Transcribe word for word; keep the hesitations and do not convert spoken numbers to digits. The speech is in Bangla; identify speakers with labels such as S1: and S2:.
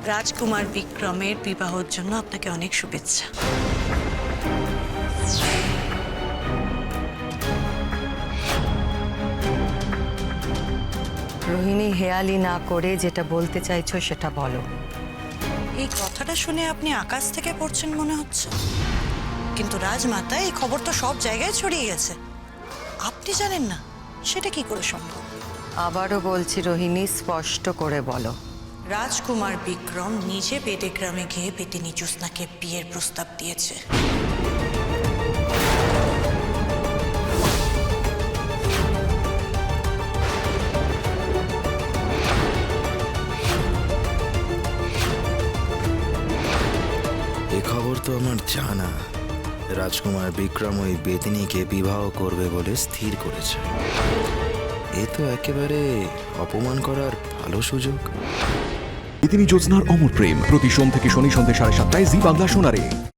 S1: রাজকুমার বিক্রমের বিবাহের জন্য আপনাকে অনেক শুভেচ্ছা।
S2: রোহিণী, হেয়ালি না করে যেটা বলতে চাইছো সেটা বলো।
S1: এই কথাটা শুনে আপনি আকাশ থেকে পড়ছেন মনে হচ্ছে, কিন্তু রাজমাতা এই খবর তো সব জায়গায় ছড়িয়ে গেছে, আপনি জানেন না সেটা কি করে সম্ভব?
S2: আবারও বলছি রোহিণী, স্পষ্ট করে বলো।
S1: রাজকুমার বিক্রম নিজে পেটে গ্রামে গিয়ে পেটিনী জ্যোৎস্নাকে বিয়ের প্রস্তাব দিয়েছে।
S3: এ খবর তো আমার জানা। রাজকুমার বিক্রম ওই বেদিনীকে বিবাহ করবে বলে স্থির করেছে। এ তো একেবারে অপমান করার ভালো সুযোগ।
S4: বেদিনী জ্যোৎস্নার অমর প্রেম প্রতি সোম থেকে শনি সন্ধ্যে সাড়ে সাতটায় জি বাংলা সোনারে।